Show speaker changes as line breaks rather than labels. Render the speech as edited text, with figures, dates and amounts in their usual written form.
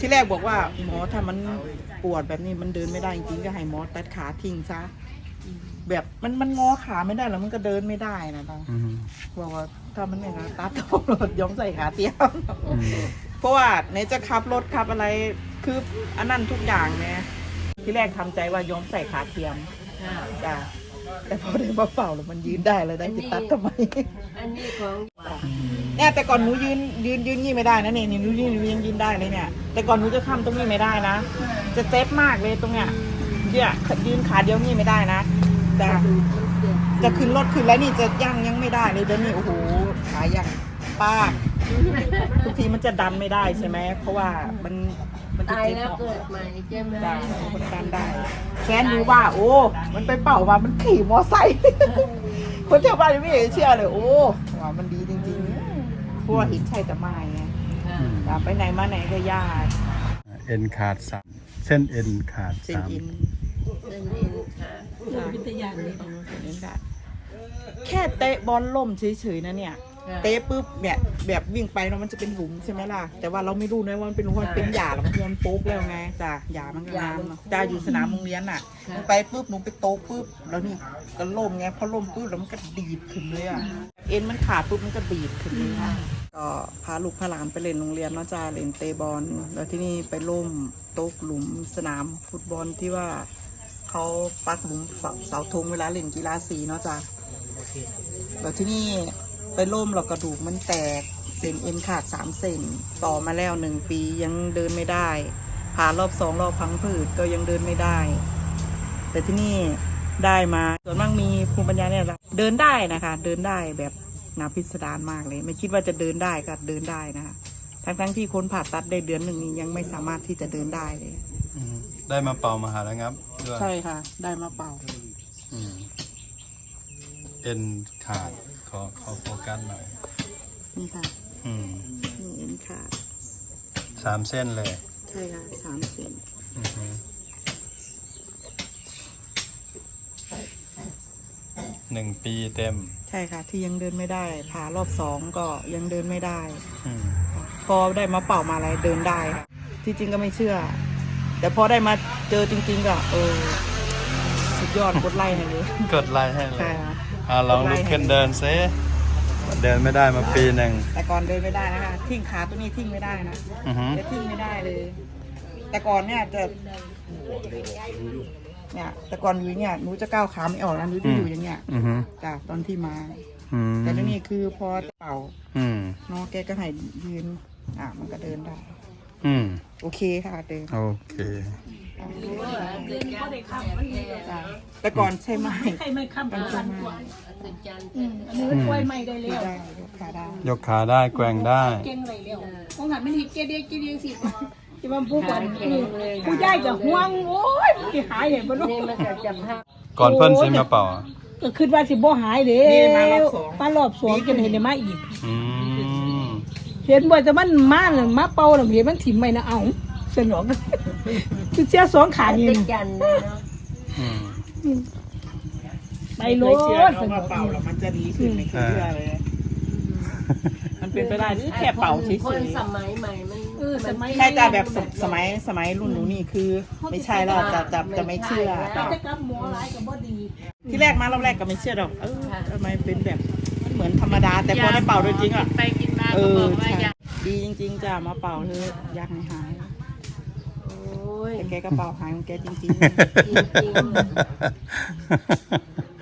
ที่แรกบอกว่าหมอถ้ามันปวดแบบนี้มันเดินไม่ได้จริงๆก็ให้หมอตัดขาทิ้งซะแบบมันงอขาไม่ได้แล้วมันก็เดินไม่ได้นะตาบอกว่าถ้ามันอย่างนั้นตัดต้องรถย้อมใส่ขาเตี้ยเพราะว่าไหนจะขับรถขับอะไรคืออันนั้นทุกอย่างเนี่ยที่แรกทำใจว่าย้อมใส่ขาเทียมจ้ะแต่พอได้มาเป่าแล้วมันยืนได้เลยได้จะตัดทำไม
อันนี้ของ
เนี่ยแต่ก่อนหนูยืนงี้ไม่ได้นะเนี่ยหนูยืนได้เลยเนี่ยแต่ก่อนหนูจะค้ำตรงนี้ไม่ได้นะจะเจ็บมากเลยตรงเนี้ยเนี่ยยืนขาเดียวนี่ไม่ได้นะจะขึ้นรถขึ้นแล้วนี่จะยังไม่ได้เลยเดี๋ยวนี้โอ้โหขายังป้าทุกทีมันจะดันไม่ได้ใช่ไหมเพราะว่ามันจะ
ตาย
เจ็บ
แล้ว
เนาะ
เกิดใหม่ใช่ไหม
ได้คนดันได้แฟนรู้ว่าโอ้มันไปเป่าว่ามันขี่มอไซค์คนแถวบ้านไม่เชื่อเลยโอ้ว่ามันดีจริงๆเพราะว่าเห็นใช่แต่ไม่ไงไปไหนมาไหนก็ยาก
เอ็นขาด3เส้นเอ็นขาด
เส้นอิน
เดินเองค่ะ
วิทยาเลยแค่เตะบอลล่มเฉยๆนะเนี่ยเตะปุ๊บเนี่ยแบบวิ่งไปแล้วมันจะเป็นหลุมใช่ไหมล่ะแต่ว่าเราไม่รู้นะว่ามันเป็นหลุมมันเป็นหญ้าแล้วมันโป๊กแล้วไงจ้ะหญ้ามันก็น้ำจ้าอยู่สนามโรงเรียนน่ะไปปุ๊บหนูไปโต๊ะปุ๊บแล้วนี่ก็ล่มไงพอล่มปุ๊บแล้วมันก็ดีดขึ้นเลยอ่ะเอ็นมันขาดปุ๊บมันก็ดีดขึ้นเลยค่ะก็พาลูกพาหลานไปเล่นโรงเรียนเนาะจ้าเล่นเตะบอลแล้วที่นี่ไปล่มโต๊ะหลุมสนามฟุตบอลที่ว่าเขาปักหลุมเสาธงเวลาเล่นกีฬาสีเนาะจ้าแล้วที่นี่ไปล่มเรากระดูกมันแตกเส้นเอ็นขาด3 เซนต่อมาแล้ว1 ปียังเดินไม่ได้ผ่ารอบ2 รอบพังผืดก็ยังเดินไม่ได้แต่ที่นี่ได้มาส่วนมากมีภูมิปัญญาเนี่ยเดินได้นะคะเดินได้แบบน่าพิสดารมากเลยไม่คิดว่าจะเดินได้ก็เดินได้นะคะทั้งที่คนผ่าตัดได้เดือนหนึ่งนี้ยังไม่สามารถที่จะเดินได้เลย
ได้มาเป่ามาหาแล้วครับด้วย
ใช่ค่ะได้มาเป่า
เอ็นขาดขอโฟกัสหน่อย
นี่ค่ะนี่เอ็นขาด
3 เส้นเลย
ใช่ค่ะ3 เซน
1 ปีเต็ม
ใช่ค่ะที่ยังเดินไม่ได้ผ่ารอบ2ก็ยังเดินไม่ได้พอได้มาเป่ามาอะไรเดินได้ค่ะที่จริงก็ไม่เชื่อแต่พอได้มาเจอจริงๆก็สุดยอดกดไลค์ให้เลย
กดไลค์ให้เลย
ใช่ค่ะ
ลองลุกขึ้นเดินซิเดินไม่ได้มาปีหนึ่ง
แต่ก่อนเดินไม่ได้นะคะทิ้งขาตัวนี้ทิ้งไม่ได้นะจะทิ้งไม่ได้เลย แต่ก่อนเนี่ยจะเนี่ยแต่ก่อนอยู่เนี่ยหนูจะก้าวขาไม่ออกแล้วหนูจะอยู่อย่างเงี้ยจ้ะตอนที่มาแต่ทีนี้คือพอเป่าน้องแกก็ให้ยืนมันก็เดินได้โอเคค่ะเดิน
โอเค
แต่ก่อนใช่ไหม
ใช่ไหมคำ
ใช่ไหม
อันนี้มันช่วยไม่ได้แล้ว
ยกขาได้
ยกขาได้แกว่งได้
เก่งอะไรแล้วมองหันมันหิเกเดียสิที่มันผู้ก่อนผู้ใหญ่จะห่วงโอ้ยที่หายเห็นบ่ลูก
ก่อนเพิ่นสิมาเป่า
ก็คิดว่าสิบ่หายเด้มารอบ2จนเห็นได้มาอีกเห็นบ่จะมันมาเป่าแล้วเห็นมันถิ่มไม่นะเอาสนองคือเสีย2 ขานี่ไปโลด
สนองเป่าแล้วมันจะดีขึ้นไม่เคยเชื่อเลยมันเป็นไปได้หรือแค่เป่าเฉยๆ
คนสมัยใหม่มัน
ใช่แต่แบบสมัยรุ่นหนูนี่คือไม่ใช่แล้วจะไม่เชื่อ
จะกับหมอร้ายกับบ่ดี
ที่แรกมารอบแรกก็ไม่เชื่อหรอกทำไมเป็นแบบเหมือนธรรมดาแต่พอได้เป่าโดยจริงอ่ะ
ไปกินมาก็บอกว่าอยาก
ดีจริงๆจ้ะมาเป่าเธออยากให้หายแต่แกก็เป่าหายของแกจริงๆ